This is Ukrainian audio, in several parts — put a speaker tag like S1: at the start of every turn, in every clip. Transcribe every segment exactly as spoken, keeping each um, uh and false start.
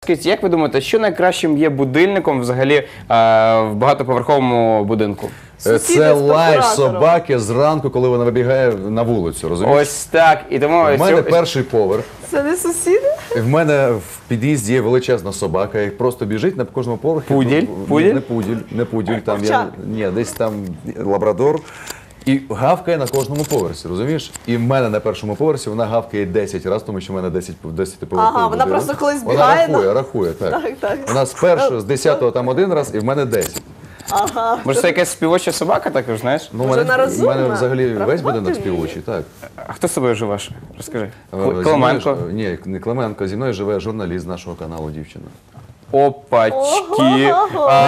S1: Скажіть, як ви думаєте, що найкращим є будильником взагалі е, в багатоповерховому будинку?
S2: Це лай собаки зранку, коли вона вибігає на вулицю, розумієш?
S1: Ось так. І тому
S2: В мене
S1: сьо-
S2: перший поверх.
S3: Це не сусіди?
S2: В мене в під'їзді є величезна собака, і просто біжить на кожному поверхі.
S1: Пуділь?
S2: Ну,
S1: Пуділь?
S2: Не пуділь, не пуділь, там я,
S3: Овчар.
S2: ні, десь там лабрадор. І гавкає на кожному поверсі, розумієш? І в мене на першому поверсі вона гавкає десять разів, тому що в мене десять поверхів.
S3: Ага, вона просто коли збігає,
S2: Вона рахує, рахує, так.
S3: Так, так.
S2: Вона з першого, з десятого там один раз, і в мене десять.
S3: Ага.
S1: Може, це якась співоча собака також, знаєш?
S2: Ну, в
S3: Може,
S2: мене,
S3: вона
S2: в мене
S3: розумна?
S2: взагалі весь
S3: Рахувати
S2: будинок
S3: вміє?
S2: співочий, так.
S1: А хто з собою живеш? Розкажи.
S2: Е,
S1: Кл-
S2: зі мною
S1: Клименко.
S2: ж- Ні, не Клименко, зі мною живе журналіст нашого каналу, дівчина.
S1: Опачки.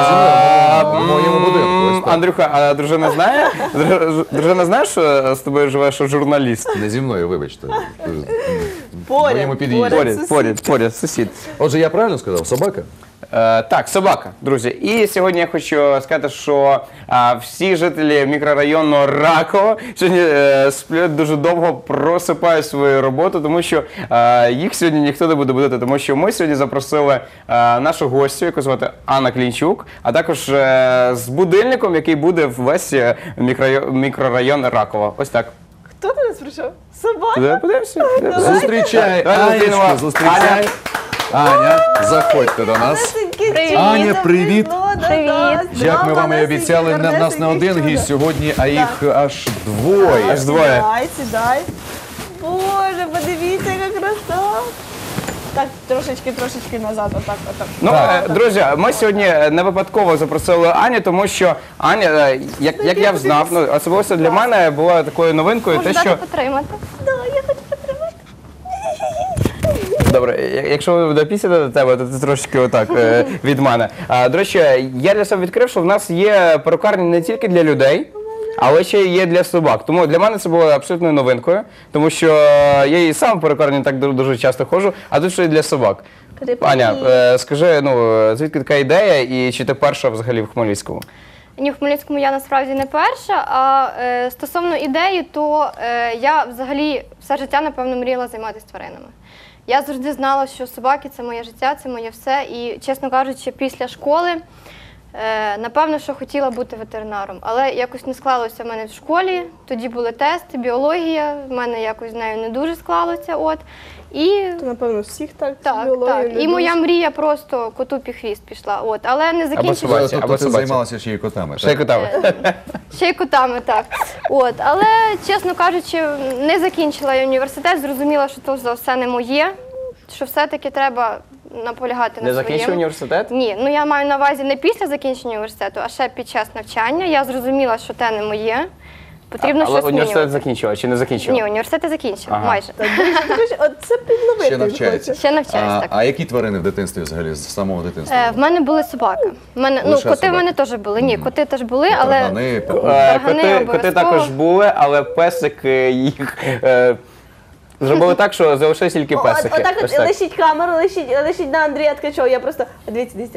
S2: В моєму будинку, ось так.
S1: Андрюха, а дружина знає? Друж- Дружина знає, що з тобою живе, що журналіст?
S2: Не зі мною, вибачте.
S3: Поряд,
S2: В моєму під'їзді.
S3: поряд.
S1: Поряд,
S3: сусід.
S1: поряд, поряд, сусід.
S2: Отже, я правильно сказав? Собака?
S1: Е, так, собака, друзі. І сьогодні я хочу сказати, що а, всі жителі мікрорайону Раково сьогодні е, сплять дуже довго, просипають свою роботу, тому що е, їх сьогодні ніхто не буде будити, тому що ми сьогодні запросили е, нашу гостю, яку звати Анна Клінчук, а також е, з будильником, який буде в весь е, мікрорайон, мікрорайон Раково. Ось так.
S3: Хто до нас прийшов? Собака?
S1: Туди подивимося?
S2: Зустрічай,
S1: Давай зустрінемо.
S2: Анечку, зустрічай. Аня, заходьте до нас.
S3: Привіт.
S2: Аня, привіт.
S4: Привіт.
S2: Як ми вам і обіцяли, не- в нас не один гість сьогодні, а їх аж двоє.
S1: Аж двоє.
S3: Сідай, сідай. Боже, подивіться, яка краса. Так, трошечки, трошечки назад, отак, отак.
S1: Ну, е, друзі, ми сьогодні не випадково запросили Аню, тому що Аня, е, як, як я знав, ну, особливо для мене була такою новинкою,
S4: Можу
S1: те,
S4: дати
S1: що...
S4: потримати.
S3: Да, я хочу потримати.
S1: Добре, я- якщо буде після до тебе, то ти трошки отак е, від мене. А, до речі, я для себе відкрив, що в нас є перукарні не тільки для людей, але ще є для собак. Тому для мене це було абсолютною новинкою, тому що я і сам в перукарні так ду- дуже часто ходжу, а тут ще й для собак.
S3: Привіт.
S1: Аня, е, скажи, ну, звідки така ідея і чи ти перша взагалі в Хмельницькому?
S4: Ні, в Хмельницькому я насправді не перша, а е, стосовно ідеї, то е, я взагалі все життя, напевно, мріяла займатися тваринами. Я завжди знала, що собаки – це моє життя, це моє все. І, чесно кажучи, після школи, е, напевно, що хотіла бути ветеринаром. Але якось не склалося в мене в школі, тоді були тести, біологія, в мене якось з нею не дуже склалося. От. І
S3: То, напевно, всіх так.
S4: так,
S3: біологію
S4: так. І
S3: любиш.
S4: моя мрія просто коту під хвіст пішла. От. Але не закінчила.
S1: собаці,
S2: Тобто
S1: або
S2: ти
S1: собаці.
S2: займалася ще й котами,
S1: Ще й
S2: так?
S1: котами.
S4: Ще й котами, так. От. Але, чесно кажучи, не закінчила я університет, зрозуміла, що то за все не моє, що все-таки треба наполягати
S1: Не
S4: на
S1: закінчив
S4: своєму.
S1: університет?
S4: Ні, ну я маю на увазі не після закінчення університету, а ще під час навчання. Я зрозуміла, що те не моє, потрібно
S1: Але
S4: щось
S1: університет
S4: змінювати.
S1: закінчила чи не закінчила?
S4: Ні, університет я закінчила,
S1: Ага.
S4: майже.
S3: Так, друзі, друзі, от це підловити.
S2: Ще навчається.
S4: Ще навчаюсь,
S2: А,
S4: так.
S2: а які тварини в дитинстві взагалі, з самого дитинства?
S4: Е, в мене були собаки. В мене, ну,
S2: Лише
S4: коти в
S2: собаки?
S4: мене теж були. Ні, коти теж були, але
S2: Таргани,
S1: Е,
S2: папуги.
S4: Таргани
S1: Коти, коти
S4: обов'язково.
S1: також були, але песики їх е, зробили так, що залишились тільки
S3: От,
S1: песики.
S3: отак
S1: Ось
S3: от
S1: так.
S3: лишіть камеру, лишіть, лишіть на Андрія Ткачова. Я просто, дивіться, дивіться.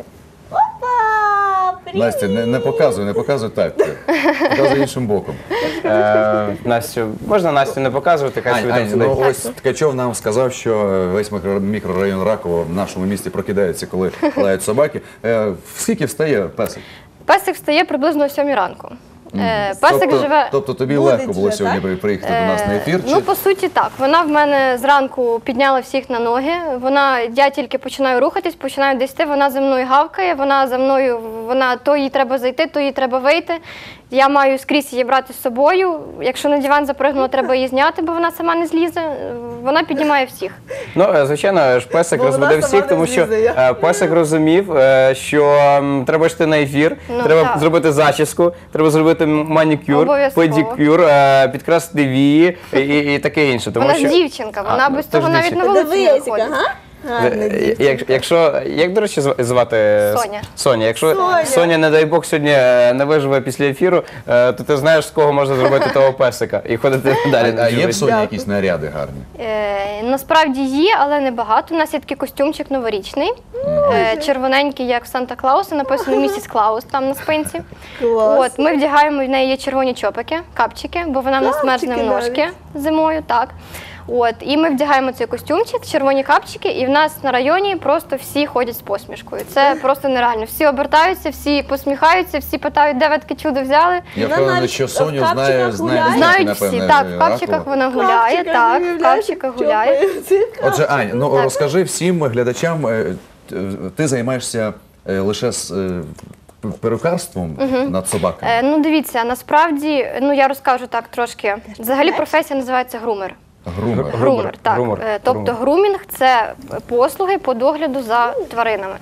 S3: Опа! Привіт!
S2: Настя, не, не показуй, не показуй так. Показуй іншим боком.
S1: Е, Настю, можна Настю не показувати, хай собі
S2: Ань,
S1: там
S2: Ань, ну
S1: сидить.
S2: ось Ткачов нам сказав, що весь мікро- мікрорайон Раково в нашому місті прокидається, коли лають собаки. Е, Скільки встає песик?
S4: песик встає приблизно о сьомій ранку. Е, Песик
S2: тобто,
S4: живе.
S2: тобто тобі
S3: Буде
S2: легко було
S3: вже,
S2: сьогодні
S3: так?
S2: приїхати до нас на ефір?
S4: Ну, по суті, так. Вона в мене зранку підняла всіх на ноги. Вона, я тільки починаю рухатись, починаю десь йти, вона за мною гавкає, вона за мною, вона то їй треба зайти, то їй треба вийти. Я маю скрізь її брати з собою. Якщо на диван запригнула, треба її зняти, бо вона сама не злізе. Вона піднімає всіх.
S1: Ну, е, звичайно, ж песик
S3: Бо вона
S1: розбудив
S3: сама
S1: всіх,
S3: не
S1: тому що
S3: злізе, я.
S1: е, песик розумів, е, що м, треба йти на ефір,
S4: Ну,
S1: треба
S4: так.
S1: зробити зачіску, треба зробити м- манікюр,
S4: Обов'язково.
S1: педикюр, е, підкрасити вії і, і, і таке інше. Тому
S4: Вона
S1: що...
S4: ж дівчинка, вона
S1: А,
S4: без
S1: ти ж
S4: того навіть
S1: дівчинка.
S4: на вулицю не
S3: Дивись,
S4: виходить.
S3: ага. Гарна
S1: Е,
S3: дівчинка.
S1: як- Якщо, як, до речі, зв- звати
S4: Соня.
S1: Соня. Якщо
S3: Соня.
S1: Соня, не дай Бог, сьогодні е, не виживе після ефіру, е, то ти знаєш, з кого можна зробити того песика і ходити далі.
S2: А є в
S1: жити.
S2: Соні
S3: Дякую.
S2: якісь наряди гарні?
S4: Е, насправді є, але не багато. У нас є такий костюмчик новорічний, е, червоненький, як в Санта-Клауса, написано місіс Клаус там на спинці.
S3: Клас.
S4: От, ми вдягаємо в неї є червоні чопики, капчики, бо вона в нас мерзне в
S3: Капчики
S4: ножки зимою, так. От, і ми вдягаємо цей костюмчик, червоні капчики, і в нас на районі просто всі ходять з посмішкою. Це просто нереально. Всі обертаються, всі посміхаються, всі питають, де ви таке чудо взяли.
S2: Я
S3: Вона
S2: впевнений,
S3: навіть
S2: що
S3: в
S2: Соню
S3: капчиках
S2: знає, знає,
S3: гуляє.
S4: Знають
S2: напевне,
S4: всі, так, в
S2: Ракова.
S4: капчиках вона гуляє, так, в капчиках гуляє.
S2: Отже, Ань, ну розкажи всім глядачам, е, т- ти займаєшся е, лише з е, п- перукарством над собаками.
S4: Е, ну дивіться, насправді, ну я розкажу так трошки. Взагалі професія називається грумер.
S2: Грумер.
S1: Гру-
S4: Грумер, так.
S1: грумер,
S4: Е, Тобто
S1: грумер.
S4: грумінг це послуги по догляду за тваринами.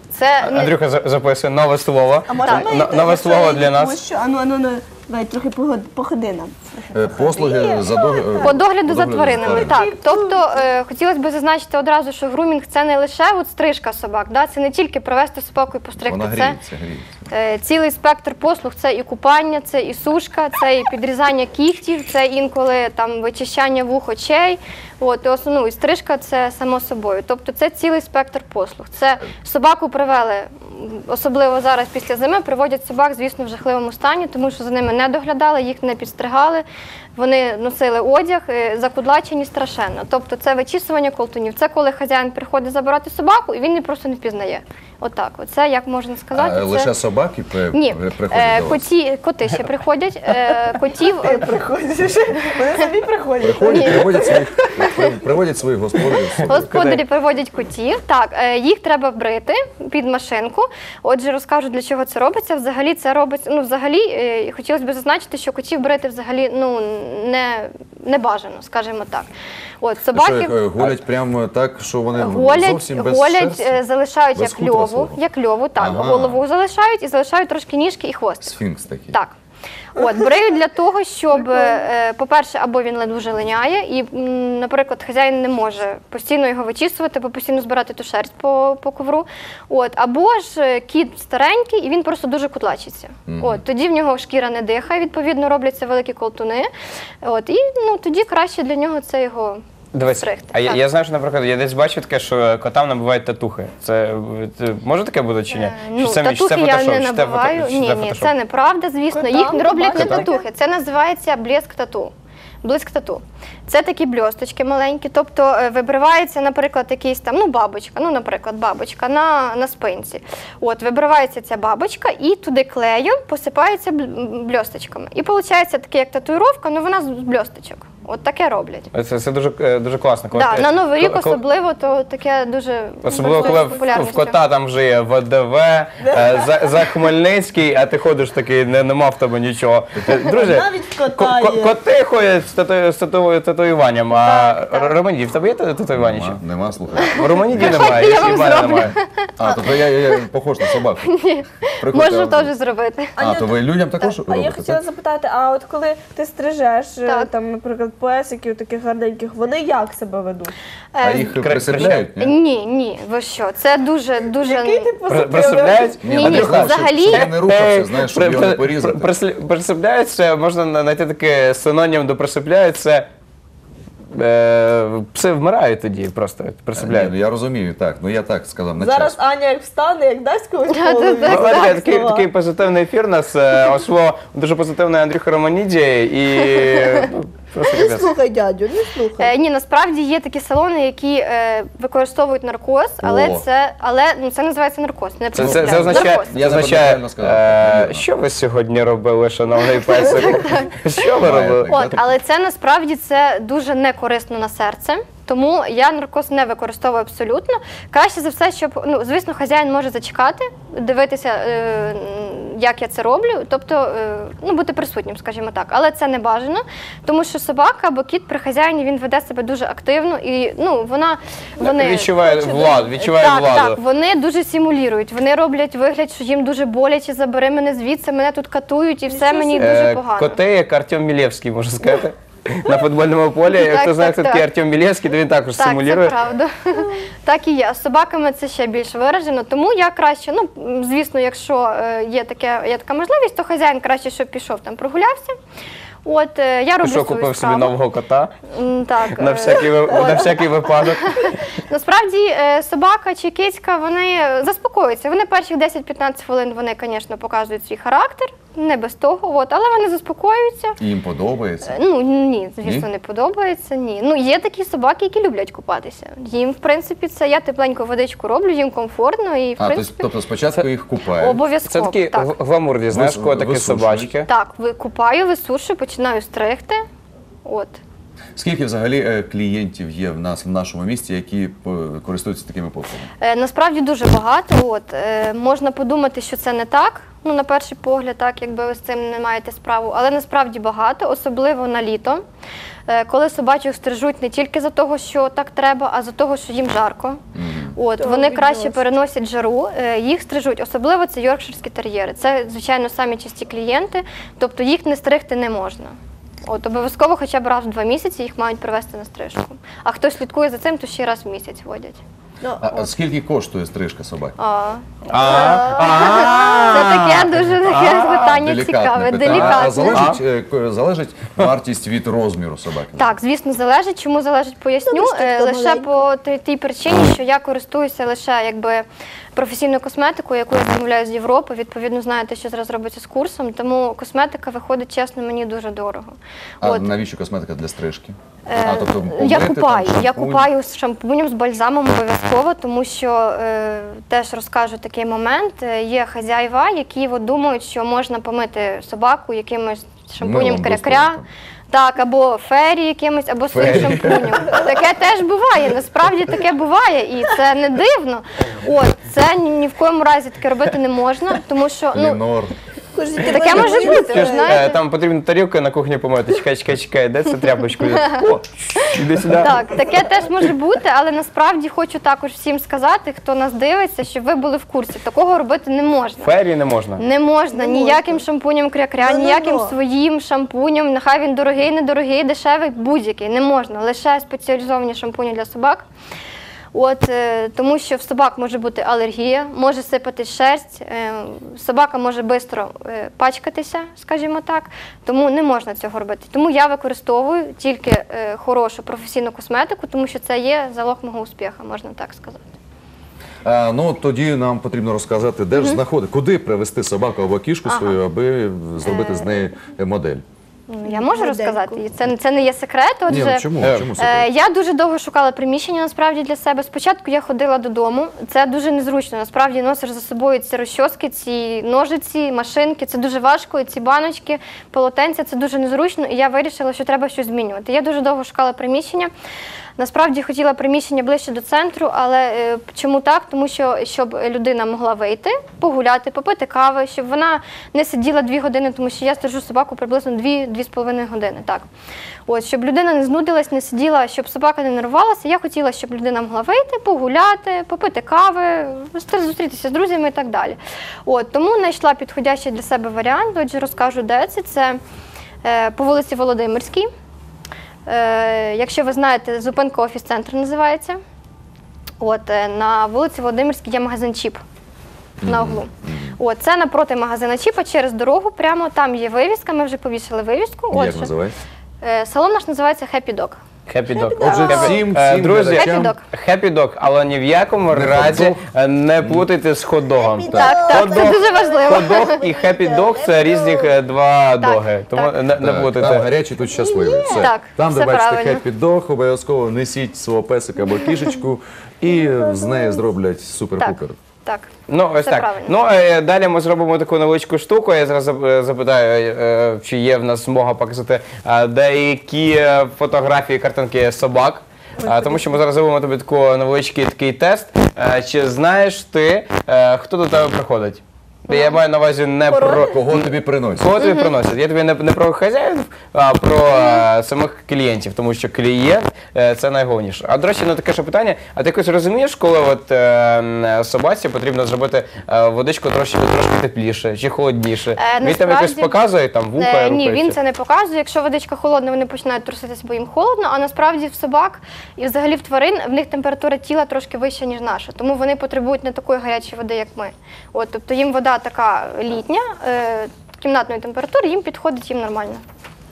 S4: Це не-
S1: Андрюха за- записує нове слово.
S3: А можна ми
S1: Н- Нове слово для
S3: Тому
S1: нас.
S3: що, ану, ану, ану, давай трохи погод- походи нам.
S2: Е, Послуги за до- е,
S4: По догляду за тваринами,
S2: тваринами.
S4: так. Тобто е, хотілося б зазначити одразу, що грумінг це не лише от стрижка собак, да? Це не тільки привести собаку і постригти.
S2: Вона
S4: Це
S2: гріється, гріється.
S4: е, цілий спектр послуг. Це і купання, це і сушка, це і підрізання кігтів, це інколи там вичищання вух, очей. От, і основну і стрижка це само собою. Тобто це цілий спектр послуг. Це собаку привели, м, особливо зараз після зими, приводять собак, звісно, в жахливому стані, тому що за ними не доглядали, їх не підстригали. Вони носили одяг, е, закудлачені страшенно. Тобто це вичісування колтунів. Це коли хазяїн приходить забирати собаку, і він її просто не впізнає. Отак. Оце, як можна сказати,
S2: А
S4: це...
S2: лише собаки при-
S4: Ні,
S2: приходять
S4: е,
S2: до вас?
S4: коті, коти ще приходять. Е, котів е,
S3: Приходять, вони самі приходять.
S2: Приходять, приводять своїх, при- приводять своїх господарів. з собою.
S4: господарі приводять котів. Так, е, їх треба брити під машинку. Отже, розкажу, для чого це робиться. Взагалі це робиться. Ну, взагалі, е, хотілося б зазначити, що котів брити взагалі ну не, не бажано, скажімо так. От
S2: Що,
S4: собаки.
S2: їх, е, голять прямо так, що вони
S4: Голять,
S2: зовсім без
S4: голять,
S2: шерсті?
S4: е, залишають
S2: Без
S4: як
S2: хутра
S4: льову,
S2: свого?
S4: як льову, так,
S2: Ага.
S4: голову залишають і залишають трошки ніжки і хвостик.
S2: Сфінкс такий.
S4: Так. От, бреють для того, щоб, е, по-перше, або він дуже линяє, і, м, наприклад, хазяїн не може постійно його вичісувати, або постійно збирати ту шерсть по, по ковру. От, або ж е, кіт старенький, і він просто дуже кутлачиться. От, тоді в нього шкіра не дихає, відповідно, робляться великі колтуни. От, і ну, тоді краще для нього це його
S1: Дивись,
S4: стригти.
S1: а я,
S4: Так.
S1: я знаю, що, наприклад, я десь бачив таке, що котам набивають татухи. Це, це може таке бути чи ні?
S4: Е,
S1: Чи
S4: Ну,
S1: це, чи
S4: татухи
S1: це
S4: я
S1: фотошоп?
S4: не
S1: Чи це фото-
S4: набиваю.
S1: чи
S4: Ні,
S1: це
S4: ні,
S1: фотошоп?
S4: це неправда, звісно.
S3: Котам
S4: Їх не роблять не
S3: бачите?
S4: татухи. Це називається блеск тату. Блиск тату. Це такі бльосточки маленькі. Тобто е, вибривається, наприклад, якийсь там, ну, бабочка, ну, наприклад, бабочка на, на спинці. От, вибривається ця бабочка і туди клеєм посипається бл- бльосточками. І виходить таке, як татуїровка, ну вона з бльосточок. От таке роблять.
S1: Це, це дуже, е, дуже класно. Коли
S4: Да,
S1: ти-
S4: на Новий рік
S1: коли- коли-
S4: особливо, то таке дуже
S1: Особливо, коли
S4: користується
S1: в, в
S4: популярністю.
S1: кота там вже є В Д В, е, за, за Хмельницький, а ти ходиш такий, не, нема в тебе нічого. Е, Друзі,
S3: Навіть в кота
S1: ко- ко-
S3: є.
S1: коти ходять з, тату, з тату, татуюванням, а
S4: Так, так.
S1: Романіді, в тебе є татуювання ще?
S2: Нема, нема, слухай.
S1: В Романіді немає,
S4: я
S1: і
S4: вам
S1: в мене
S4: зроблю.
S1: немає.
S2: А, тобто я, я, я похож на собаку. Приходьте,
S4: Можу
S2: а-
S4: теж зробити.
S2: А, то ви людям також
S3: Так, а я
S2: робите?
S3: хотіла
S2: так?
S3: запитати, а от коли ти стрижеш, е,
S4: Так.
S3: там, наприклад, песиків таких гарненьких, вони як себе ведуть?
S2: А
S4: Е,
S2: їх
S1: Кра-
S2: присипляють? ні?
S4: Ні, ні, ви що? Це дуже, дуже.
S3: Який ти
S1: При-
S3: позитивний?
S1: Присипляють?
S2: Ні,
S4: Ні,
S2: ну,
S4: ні,
S2: я знаю, щоб-
S4: взагалі-
S2: щоб я не рухався, знаєш, щоб
S1: При-
S2: його не
S1: при-
S2: порізати.
S1: при- присля- Присипляються, можна на- знайти таке синонім до присипляють, це е, пси вмирають тоді просто
S2: Ні,
S1: присипляють.
S2: ну я розумію, так. Ну я так сказав, на
S3: Зараз
S2: час.
S3: Аня як встане, як дасть когось по
S4: Так,
S3: голові.
S4: так, так.
S1: Бачите, такий,
S3: слова.
S1: такий позитивний ефір у нас е, ошло дуже позитивний Андрюха Романіді і ну, просто
S3: Не
S1: капець.
S3: слухай, дядю, не слухай.
S4: Е, ні, насправді є такі салони, які е, використовують наркоз, але
S2: О.
S4: це, але ну це називається наркоз. Не
S1: Це, це,
S4: присипляють.
S1: це означає,
S4: Наркоз.
S2: Я
S1: означає
S2: неправильно сказав,
S1: е,
S2: вірно.
S1: що ви сьогодні робили, шановний песик? Що ви
S2: Має
S1: робили?
S2: так.
S4: От, але це насправді це дуже не корисно на серце. Тому я наркоз не використовую абсолютно. Краще за все, щоб, ну, звісно, хазяїн може зачекати, дивитися, е, як я це роблю, тобто е, ну, бути присутнім, скажімо так. Але це не бажано, тому що собака або кіт при хазяїні, він веде себе дуже активно і ну, вона, вони...
S1: Відчуває владу, відчуває
S4: так,
S1: владу.
S4: Так, вони дуже симулюють, вони роблять вигляд, що їм дуже боляче, забери мене звідси, мене тут катують і все мені дуже
S1: Е,
S4: погано.
S1: Коти, як Артем Мілєвський, можна сказати. На футбольному полі, як
S4: Так,
S1: хто знає,
S4: так,
S1: хто такий
S4: так.
S1: Артем Мілєвський, то він також
S4: Так,
S1: симулює.
S4: це правда. Так і є. З собаками це ще більш виражено. Тому я краще, ну, м, звісно, якщо е, є, таке, є така можливість, то хазяїн краще, щоб пішов там прогулявся. От, е, я роблю
S1: Що
S4: свою
S1: купив собі
S4: справу.
S1: нового кота
S4: М, Так,
S1: на
S4: е,
S1: всякий, ви- на всякий випадок.
S4: Насправді е, собака чи кицька, вони заспокоюються. Вони перших десять-п'ятнадцять хвилин, вони, звісно, показують свій характер. не без того, от, але вони заспокоюються.
S2: І їм подобається.
S4: Е, Ну ні, звісно,
S2: Ні?
S4: не подобається. Ні. Ну є такі собаки, які люблять купатися. Їм, в принципі, це я тепленьку водичку роблю, їм комфортно і в
S2: А,
S4: принципі
S2: тобто спочатку їх купають.
S1: Це
S4: обов'язково.
S1: такі
S4: так.
S1: г- гламурні, знаєш,
S2: Вис-
S1: котики,
S2: висушують.
S1: собачки.
S4: Так, ви- купаю, висушую, починаю стригти. От.
S2: Скільки взагалі е, клієнтів є в нас в нашому місті, які е, користуються такими послугами?
S4: Е, Насправді дуже багато. От. Е, Можна подумати, що це не так, ну, на перший погляд, так, якби ви з цим не маєте справу, але насправді багато, особливо на літо, е, коли собачок стрижуть не тільки за того, що так треба, а за того, що їм жарко. От,
S3: То
S4: вони краще
S3: відносить.
S4: переносять жару, е, їх стрижуть, особливо це йоркширські тер'єри. Це, звичайно, самі часті клієнти, тобто їх не стригти не можна. От, обов'язково хоча б раз в два місяці їх мають привезти на стрижку. А хто слідкує за цим, то ще раз в місяць водять.
S3: Ну,
S2: А, а скільки коштує стрижка собаки?
S4: А,
S1: А,
S4: це таке дуже таке питання
S2: Делікатне
S4: цікаве,
S2: питання. А
S4: делікатне.
S2: залежить, е, к- залежить вартість від розміру собаки?
S4: Так, звісно, залежить. Чому залежить, поясню.
S3: Ну, штучка
S4: Е, Лише
S3: маленька.
S4: по тій- тій причині, що я користуюся лише якби професійною косметикою, яку я замовляю з Європи. Відповідно, знаєте, що зараз робиться з курсом, тому косметика виходить, чесно, мені дуже дорого.
S2: А
S4: От.
S2: навіщо косметика для стрижки?
S4: Е,
S2: А, тобто
S4: я
S2: помити,
S4: купаю,
S2: там,
S4: я
S2: шампунь?
S4: купаю з шампунем, з бальзамом обов'язково, тому що е, теж розкажу такий момент. Е, Є хазяїва, які от, думають, що можна помити собаку якимось шампунем
S2: Милом
S4: кря-кря.
S2: доступним.
S4: Так, або фері якимось, або своїм
S2: Фері.
S4: шампунем. Таке теж буває, насправді таке буває, і це не дивно. От, це ні, ні в коєму разі таке робити не можна, тому що ну,
S2: Лінор.
S4: таке може бути, ви
S1: Е,
S4: знаєте.
S1: Там потрібно тарілку на кухні помити. Чекай, чекай, чекай, де це тряпочку? О, іди сюди.
S4: Так, таке теж може бути, але насправді хочу також всім сказати, хто нас дивиться, щоб ви були в курсі. Такого робити не можна.
S1: Фері не можна.
S4: Не можна
S3: Не
S4: ніяким
S3: можна.
S4: шампунем кря-кря,
S3: Ну-ну-ну.
S4: ніяким своїм шампунем, нехай він дорогий, недорогий, дешевий, будь-який. Не можна. Лише спеціалізовані шампуні для собак. От, е, тому що в собак може бути алергія, може сипатись шерсть, е, собака може швидко е, пачкатися, скажімо так, тому не можна цього робити. Тому я використовую тільки е, хорошу професійну косметику, тому що це є залог мого успіху, можна так сказати.
S2: А, ну тоді нам потрібно розказати, де ж знаходити, куди привезти собаку або кішку свою, аби зробити з неї модель.
S4: Ну, я можу
S3: Модельку.
S4: розказати, і це, це не є секрет.
S2: Ні,
S4: Отже,
S2: ну чому?
S1: е,
S2: чому
S4: Е,
S2: секрет?
S4: Я дуже довго шукала приміщення насправді для себе. Спочатку я ходила додому. Це дуже незручно. Насправді носиш за собою ці розчоски, ці ножиці, машинки. Це дуже важко. І ці баночки, полотенця це дуже незручно. І я вирішила, що треба щось змінювати. Я дуже довго шукала приміщення. Насправді хотіла приміщення ближче до центру, але е, чому так? Тому що щоб людина могла вийти, погуляти, попити кави, щоб вона не сиділа дві години, тому що я стережу собаку приблизно дві-дві з половиною години. Так. От, щоб людина не знудилась, не сиділа, щоб собака не нервувалася. Я хотіла, щоб людина могла вийти, погуляти, попити кави, зустрітися з друзями і так далі. От, тому знайшла підходящий для себе варіант. Отже, розкажу, де це. Це е, по вулиці Володимирській. Е, якщо ви знаєте, зупинка офіс-центр називається. От, е, на вулиці Володимирській є магазин Чіп на углу. От, це напроти магазина Чіпа, через дорогу прямо, там є вивіска, ми вже повісили вивіску.
S2: Як
S4: Отже,
S2: називається?
S4: е, салон наш називається Happy Dog.
S1: Happy Dog.
S2: Отже,
S1: Happy-
S2: всім,
S1: Е,
S2: всім
S1: друзі,
S2: глядачам.
S4: Happy Dog.
S1: Happy Dog, але ні в якому
S2: Не
S1: разі
S2: хот-дог.
S1: е, не плутайте з хот-догом.
S3: Happy
S4: Так, так, це
S1: Хот-дог-
S4: дуже важливо.
S1: Хот-дог і Happy Dog – це різні е, два доги. Тому
S4: так.
S1: не, не
S2: Так, там
S1: плутайте.
S2: гарячий, тут щасливий. Все.
S4: Так,
S2: Там, де
S4: все
S2: бачите
S4: правильно.
S2: Happy Dog, обов'язково несіть свого песика або кішечку і з неї зроблять
S4: Так,
S2: супер-пупер.
S4: так.
S1: Ну, ось
S4: Все
S1: так.
S4: правильно.
S1: Ну, е, далі ми зробимо таку невеличку штуку. Я зараз зап- е, запитаю, е, чи є в нас змога показати е, деякі е, фотографії, картинки собак. Е, Тому що ми зараз зробимо тобі таку невеличкий такий тест. Е, Чи знаєш ти, е, хто до тебе приходить? Я маю на увазі не про
S2: Кого тобі приносять?
S1: кого тобі приносять. Я тобі не, не про хазяїв, а про е, самих клієнтів, тому що клієнт е, це найголовніше. А до речі, ну таке ще питання. А ти якось розумієш, коли от е, м, собаці потрібно зробити е, водичку трошки трошки тепліше чи холодніше?
S4: Е,
S1: Він там якось
S4: насправді,
S1: показує, там вуха
S4: Е, Ні,
S1: рухається?
S4: він це не показує. Якщо водичка холодна, вони починають труситися, бо їм холодно, а насправді в собак і взагалі в тварин в них температура тіла трошки вища, ніж наша. Тому вони потребують не такої гарячої води, як ми. От, тобто їм вода така літня, е, кімнатної температури, їм підходить їм нормально.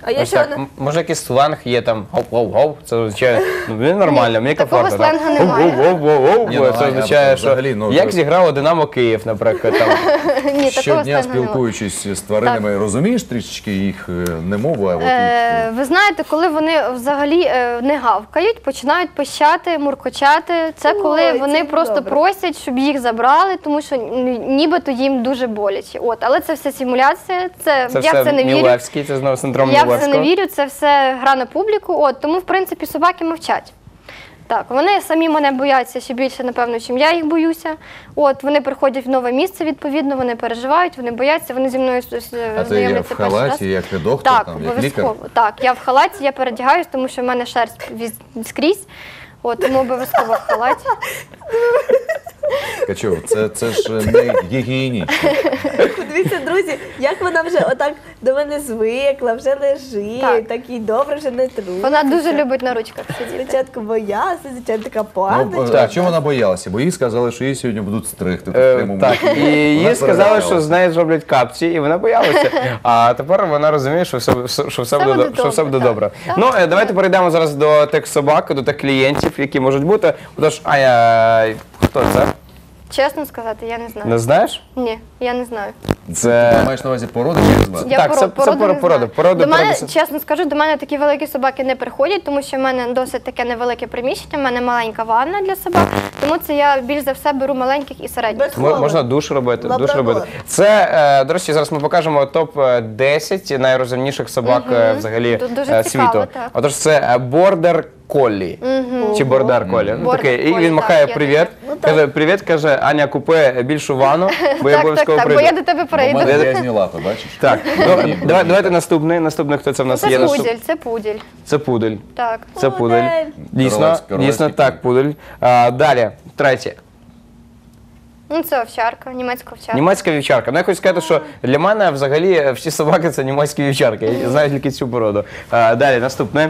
S3: А я
S1: Ось
S3: ще
S1: так.
S3: одне-
S1: М- Може якийсь сленг є там гов-гов-гов, це означає, ну мені нормально, мені
S4: такого
S1: комфортно. так.
S4: сленгу немає.
S1: Гов-гов-гов-гов,
S2: Ні, ну,
S1: це
S2: а-
S1: означає,
S2: а
S1: що
S2: взагалі, ну,
S1: як
S2: то-
S1: зіграло Динамо Київ, наприклад. Там.
S4: Ні, такого
S2: Щодня
S4: сленгу немає.
S2: спілкуючись з тваринами, розумієш трішечки їх е, не мову, а от
S4: Е, ви знаєте, коли вони взагалі е, не гавкають, починають пищати, муркочати. Це коли
S3: Ой,
S4: вони
S3: це
S4: просто
S3: добре.
S4: просять, щоб їх забрали, тому що н- нібито їм дуже боляче. От, але це все симуляція. Це,
S1: Це
S4: я в
S1: все
S4: це не вірю.
S1: Мілевський, це знову синдром
S4: Я в це не
S1: Мілевського.
S4: вірю, це все гра на публіку. От, тому, в принципі, собаки мовчать. Так, вони самі мене бояться ще більше, напевно, чим я їх боюся. От, вони приходять в нове місце, відповідно, вони переживають, вони бояться, вони зі мною с- с-
S2: а ти є
S4: знайомляться
S2: в
S4: перший раз.
S2: халаті, як доктор,
S4: Так,
S2: там, як лікар.
S4: обов'язково. Так, я в халаті, я передягаюсь, тому що в мене шерсть віз- скрізь. От, тому обов'язково в халаті.
S2: Качов, це, це ж не гігієнічно.
S3: Подивіться, друзі, як вона вже отак до мене звикла, вже лежить,
S4: Так.
S3: так і добре вже не труситься.
S4: Вона дуже любить на ручках сидіти.
S3: Спочатку боялася, звичайно, така
S2: Ну,
S3: паночка.
S2: а чого вона боялася? Бо їй сказали, що її сьогодні будуть стригти. тут в
S1: Е,
S2: прямому
S1: Так,
S2: ефірі.
S1: і
S2: Вона
S1: їй сказали,
S2: перелякалася.
S1: що з нею зроблять капці, і вона боялася. А тепер вона розуміє, що все, все- що все,
S4: Все
S1: буде,
S4: буде
S1: що все буде
S4: добре,
S1: добре.
S4: так.
S1: Ну, е, давайте перейдемо зараз до тих собак, до тих клієнтів, які можуть бути. Отож, Аня, хто це?
S4: Чесно сказати, я не знаю.
S1: Не знаєш?
S4: Ні, я не знаю.
S1: Це
S2: Ти маєш на увазі породи чи назвати?
S4: Я
S1: Так,
S4: поро-
S1: це- це
S4: породу
S1: пор-
S4: не
S1: породи.
S4: знаю.
S1: Породи,
S4: до мене,
S1: породи.
S4: чесно скажу, до мене такі великі собаки не приходять, тому що в мене досить таке невелике приміщення, в мене маленька ванна для собак, тому це я більш за все беру маленьких і середніх.
S3: Без
S1: Мо-
S3: Ховер.
S1: можна душ робити. Душ
S3: Лабрадор.
S1: робити. Це, е, до речі, зараз ми покажемо топ десять найрозумніших собак е, взагалі
S4: Тут дуже
S1: е,
S4: цікаво,
S1: світу.
S4: так.
S1: Отож, це бордер колі. Чи бордер колі. Ну,
S4: Border
S1: такий. І
S4: Collie,
S1: він
S4: так,
S1: махає
S4: є
S1: привіт.
S4: таке.
S3: Ну, так.
S1: Каже, привіт, каже, Аня, купи більшу ванну, бо я
S4: Так, так,
S1: обов'язково
S4: так, бо
S1: прийду.
S4: я до тебе
S2: У мене
S4: прийду.
S2: грязні лапи, бачиш?
S1: Так, ну,
S2: Ні,
S1: давай,
S2: ні,
S1: давайте
S2: так.
S1: наступний. Наступний, хто це в нас
S4: Це
S1: є? Наступ-
S4: пудель, це пудель.
S1: Це пудель.
S4: Так.
S1: Це пудель.
S3: Пудель.
S1: Дійсно,
S2: Королевський- королевський
S1: дійсно так, пудель. А, далі, третє.
S4: Ну, це овчарка, німецька овчарка.
S1: Німецька вівчарка. Ну, я хочу сказати, що для мене взагалі всі собаки це німецькі вівчарки. Я знаю тільки цю породу. А, далі, наступне.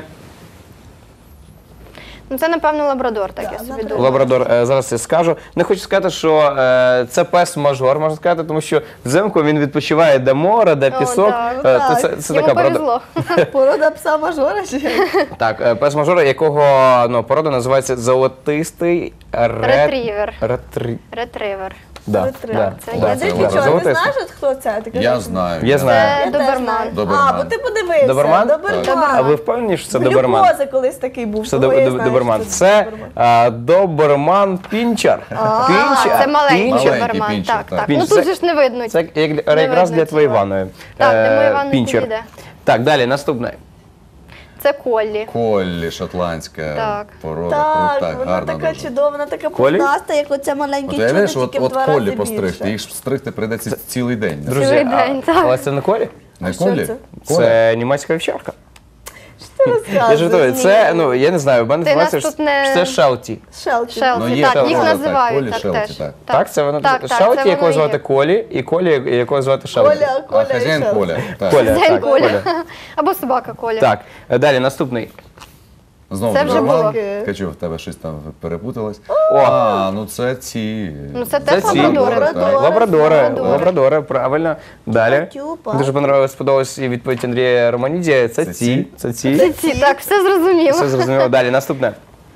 S4: Ну, це, напевно, лабрадор, так я собі
S3: лабрадор.
S4: думаю.
S1: Лабрадор, е, зараз я скажу. Не хочу сказати, що е, це пес-мажор, можна сказати, тому що взимку він відпочиває де море, де
S4: О,
S1: пісок.
S4: так,
S1: Е,
S3: так.
S1: то це, це
S4: Йому
S1: така порода.
S4: повезло.
S3: Порода пса мажора чи як?
S1: Так, е, пес-мажор, якого ну, порода називається золотистий рет...
S4: Ретрівер.
S1: Ретрі...
S4: Ретривер.
S1: Да,
S3: Ретрівер.
S1: да,
S4: Це
S1: да,
S3: Я
S4: є.
S1: це
S3: десь
S1: да,
S3: нічого, не
S1: золотистий.
S3: знаєш, от хто це? Ти
S2: Я
S3: кажеш,
S2: знаю.
S1: Я знаю.
S3: Я
S4: Це
S3: теж
S4: доберман.
S3: знаю.
S2: Доберман.
S3: А, бо ти подивився.
S1: Доберман?
S3: Доберман.
S1: А ви впевнені, що це
S3: У
S1: доберман?
S3: Глюкози колись такий був.
S1: Це
S3: тому
S1: доб-
S3: я
S1: доб-
S3: знаю,
S1: доберман.
S3: що
S1: Це
S3: доберман.
S1: а, доберман пінчер.
S4: А,
S1: Пінчер.
S4: це маленький
S1: Пінчер.
S2: Маленький
S4: доберман.
S2: пінчер,
S4: Так,
S2: так.
S4: так.
S1: Пінчер.
S4: Ну тут
S1: Це-
S4: же ж не видно.
S1: Це як,
S4: Не
S1: якраз
S4: видно
S1: для твоєї
S4: тіла.
S1: ванної.
S4: Так, для
S1: Е,
S4: моєї ванни
S1: пінчер.
S4: підійде.
S1: Так, далі, наступне.
S4: Це коллі.
S2: Коллі, шотландська
S4: Так.
S2: порода,
S3: Так,
S2: крута,
S3: вона
S2: гарна
S3: така
S2: дуже.
S3: чудова, вона така
S1: Колі?
S3: пухнаста, як оця маленьке
S2: От
S3: чудо,
S2: уявляєш, от,
S3: тільки в
S2: от
S3: два
S2: коллі
S3: рази
S2: постригти,
S3: більше.
S2: їх ж стригти прийдеться цілий день.
S1: Друзі,
S4: Цілий
S1: а-
S4: день, так.
S1: але це не колі?
S2: Не
S3: що
S2: коллі?
S3: це?
S2: Коля?
S1: Це німецька вівчарка.
S3: Що ти розказуєш?
S1: Я жартую, це,
S3: Ні.
S1: ну, я не знаю, в мене
S4: Ти
S1: інформація,
S4: нас
S1: що
S4: тут не-
S1: що це шелті.
S3: Шелті.
S4: Шелті,
S2: Ну, є
S4: так,
S2: така
S4: їх
S2: порода, так,
S4: називають
S2: колі,
S4: так
S2: шелті,
S4: теж.
S2: так.
S1: Так, це воно
S4: Так, так,
S1: шелті,
S4: це
S1: якого
S4: воно і
S1: звати
S4: є.
S1: Колі, і Колі, якого звати Шелті.
S3: Коля,
S2: А
S3: Коля і
S2: хазяїн
S3: Шелті.
S2: Коля. Так.
S1: Коля,
S4: День
S1: так,
S4: Коля.
S1: Коля.
S4: Або собака Коля.
S1: Так, е, далі, наступний.
S2: Знову
S4: Це вже
S2: доберман.
S4: було.
S2: Качу, в тебе щось там перепуталось.
S1: О.
S2: А, ну це ці.
S4: Ну це
S1: Це
S4: теж
S1: ці.
S4: лабрадори.
S3: Лабрадори.
S1: Лабрадори,
S3: Лабрадори.
S1: лабрадори, правильно. Далі.
S3: Тюпа.
S1: Дуже понравилось, сподобалась і відповідь Андрія Романідія. Це
S2: Це
S1: ці,
S2: ці?
S1: це ці.
S4: Це ці, так, все зрозуміло.
S1: Все зрозуміло. Далі, наступне.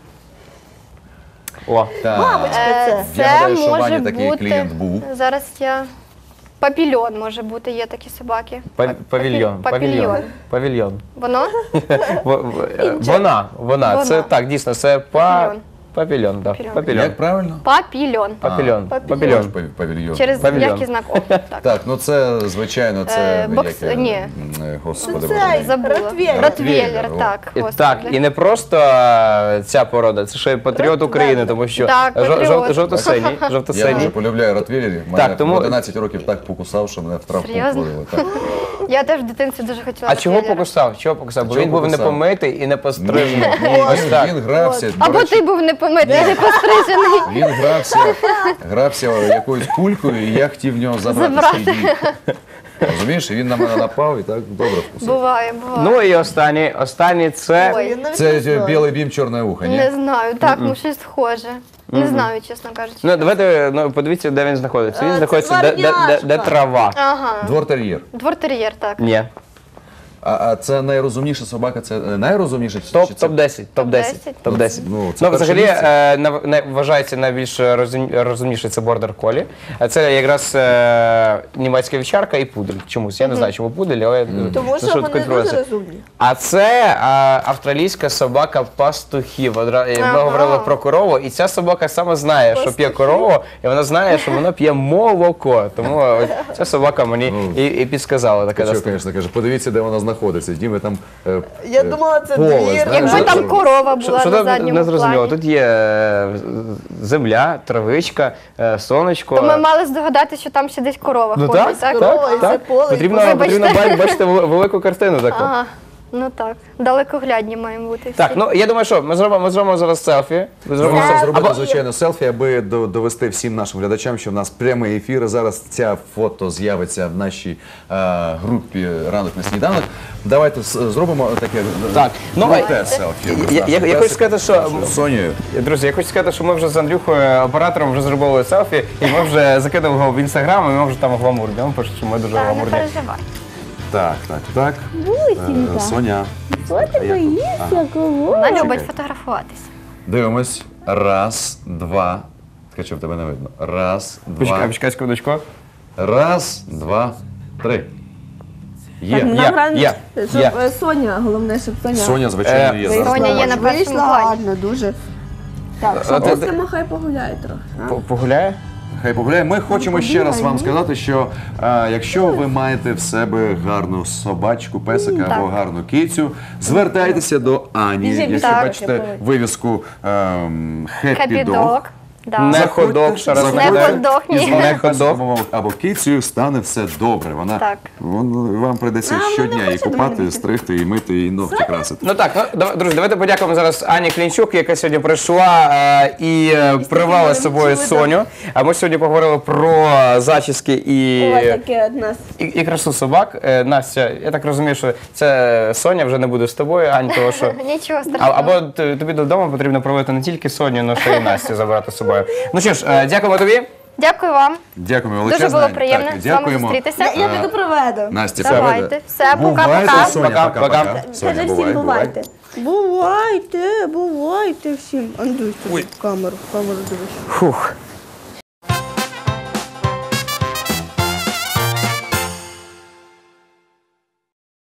S1: О,
S2: Так.
S3: Мамочка
S4: Е,
S3: це.
S2: Я
S4: Це
S2: гадаю, що
S4: може
S2: Ваня такий
S4: бути.
S2: клієнт був.
S4: Зараз я. Папільйон може бути, є такі собаки.
S1: пав- павільйон,
S4: Папільйон.
S1: павільйон. Павільйон.
S4: Воно?
S1: В- в- е, Вона, вона,
S4: Вона.
S1: це так, дійсно, це па...
S4: Павільйон.
S1: павільйон, да.
S4: Павільйон.
S1: Павільйон.
S2: Як правильно?
S4: Папільйон.
S1: Павільйон.
S3: А,
S1: Павільйон.
S2: Пав- Павільйон.
S4: Через
S1: Павільйон.
S4: м'який знак О. Так.
S2: Так, ну це звичайно, це
S4: Е, бокс-
S2: як я-
S4: ні.
S2: м, е, Господи,
S3: Це
S2: Боже мій.
S4: Забула.
S3: Ротвейлер.
S4: Ротвейлер,
S2: Ротвейлер,
S4: так.
S1: І,
S4: господи.
S1: так, і не просто е, ця порода, це ще й патріот
S3: Просто
S1: України,
S3: так.
S1: тому що
S4: Так,
S1: жо-
S4: патріот.
S1: жов- жовто-синій,
S2: Я
S1: жовто-синій.
S2: дуже полюбляю ротвейлерів. Мене
S1: Так, тому-
S2: в одинадцять років так покусав, що мене в травму
S4: Серйозно?
S2: входили. Так.
S4: Я теж в дитинстві дуже хотіла
S1: А чого
S4: ротвейлера.
S1: покусав? Чого покусав? Бо
S2: чого
S1: він був не
S2: покусав?
S1: помитий і не пострижений.
S2: Ні,
S1: Ось
S2: він,
S1: так.
S2: він грався. до
S4: Або
S2: речі,
S4: ти був непомитий, не пострижений.
S2: Він грався, грався якоюсь кулькою, і я хотів в нього забрати
S4: Забрати.
S2: свій дій. Розумієш, і він на мене напав і так добре вкусив.
S4: Буває, буває.
S1: Ну і останній, останній це
S4: Ой.
S3: Я навіть
S2: Це
S3: не знаю.
S2: білий бім, чорне ухо, ні?
S4: Не знаю, так, ну щось схоже. Не знаю, чесно кажучи.
S1: Ну, давайте ну, подивіться, де він знаходиться. Він
S3: А, це
S1: знаходиться де, де, де, де
S3: дворняжка.
S1: трава.
S4: Ага.
S2: Двор-тер'єр.
S4: Двортер'єр, так.
S1: Ні.
S2: А, а це найрозумніша собака, це е, найрозумніша? чи-
S1: Топ,
S2: чи це-
S1: топ десять, топ десять, топ десять.
S2: Ну, це
S1: Ну,
S2: перше
S1: взагалі,
S2: місце.
S1: е, нав- не- вважається найбільш розум- розумніший це бордер колі. А це якраз е, німецька вівчарка і пудель. Чомусь. Я не знаю, чому пудель, але ну,
S3: Тому
S1: за
S3: що
S1: таке
S3: вони дуже
S1: відбувається.
S3: розумні.
S1: А це е, австралійська собака пастухів. Одра- Ми
S4: Ага.
S1: говорили про корову, і ця собака саме знає, що п'є корову, і вона знає, що вона п'є молоко. Тому ось ця собака мені і, і підсказала таке.
S2: Що,
S1: доступне.
S2: звісно, каже, подивіться, де вона знаходиться. Діми там е,
S3: Я
S2: е,
S3: думала, це
S2: поле,
S3: двір.
S2: знаєш,
S4: Якби
S2: що-
S4: там корова
S1: Що,
S4: була
S1: що
S4: на
S1: там
S4: задньому
S1: не зрозуміло?
S4: плані.
S1: Тут є е, земля, травичка, е, сонечко.
S4: То ми мали здогадатися, що там ще десь корова
S1: Ну
S4: ходить,
S1: так,
S4: так?
S1: так,
S3: Корова, і
S1: так.
S3: це поле, і
S1: Потрібно,
S4: поле.
S1: потрібно
S4: Вибачте.
S1: ба- бачити вел- велику картину таку.
S4: Ага, ну так. Далекоглядні маємо бути всі.
S1: Так, ну я думаю, що ми зробимо, ми зробимо зараз селфі. Ми
S2: Ми
S1: зробимо
S2: можемо
S1: селфі.
S2: зробити,
S1: Або-
S2: звичайно, селфі, аби до- довести всім нашим глядачам, що в нас прямий ефір. Зараз ця фото з'явиться в нашій е, групі «Ранок на сніданок». Давайте с- зробимо таке
S1: Так, ну,
S2: круте
S1: а-
S2: селфі.
S1: Я- я- я хочу сказати, що-
S2: з Сонею.
S1: Друзі, я хочу сказати, що ми вже з Андрюхою, оператором, вже зробили селфі, і ми вже закинули його в інстаграм, і ми вже там гламурні. Він пише, що ми дуже
S4: Та, не
S1: гламурні.
S4: переживай.
S2: Так, так, так. Е, Соня.
S3: Що ти боїшся, кого?
S4: Вона любить
S2: Чекай.
S4: фотографуватися.
S2: Дивимось. Раз, два. Ткачов, тебе не видно. Раз,
S1: Почекай,
S2: два.
S1: почекай секундочку.
S2: Раз, два, три. Є.
S1: Є.
S3: Нам рано-
S1: є,
S3: щоб
S1: є.
S3: е, Соня, головне, щоб Соня.
S2: Соня, звичайно,
S1: Е,
S2: є
S3: вийшла.
S2: зараз.
S4: Соня є на першому
S3: Вийшла
S4: плані.
S3: гарно, дуже. Так,
S1: Е,
S3: що
S1: ти-
S3: Костя хай погуляє трохи. а?
S1: П- Погуляє?
S2: Хай погуляє. Ми хочемо ще раз вам сказати, що е, якщо ви маєте в себе гарну собачку, песика або гарну кицю, звертайтеся до Ані.
S3: Біжи, біжи,
S2: Якщо
S3: так.
S2: бачите вивіску ем, Happy Dog,
S4: Хеппі-дог. Да.
S1: Не ходок, ще раз
S4: Не
S1: нагадаю.
S4: ходок, ні.
S2: і з
S1: Не
S2: вами
S1: ходок.
S2: або, або кицею стане все добре. Вона
S4: Так.
S2: вон- вам прийдеться
S3: А,
S2: щодня
S3: вона
S2: її
S3: хоче до мене
S2: купати,
S3: бігти.
S2: стригти, і мити, і ногті красити.
S1: Ну так, ну дав- друзі, давайте подякуємо зараз Ані Клінчук, яка сьогодні прийшла е, і е, привела з собою
S3: чудо.
S1: Соню. А ми сьогодні поговорили про зачіски і,
S3: Ось таке од нас.
S1: і, і красу собак. Е, Настя, я так розумію, що це Соня вже не буде з тобою, Ань, того що.
S4: Нічого
S1: А,
S4: страшного.
S1: або т- тобі додому потрібно проводити не тільки Соню, але ще й Настю забрати з собою. Ну що ж, е, дякуємо тобі.
S4: Дякую вам.
S2: Дякуємо величезне.
S4: Дуже було приємно
S2: Так,
S4: з вами
S2: дякуємо.
S4: зустрітися.
S3: Я піду проведу.
S2: Настя,
S4: Давайте.
S2: все.
S4: Все,
S2: Бувайте,
S4: пока-пока.
S2: Соня,
S1: Пока,
S2: пока-пока.
S1: пока.
S2: Соня,
S3: Кажи
S2: бувай,
S3: всім
S2: бувай.
S3: бувайте. Бувайте, бувайте всім. Андрюй, в камеру, в камеру дивись.
S1: Фух.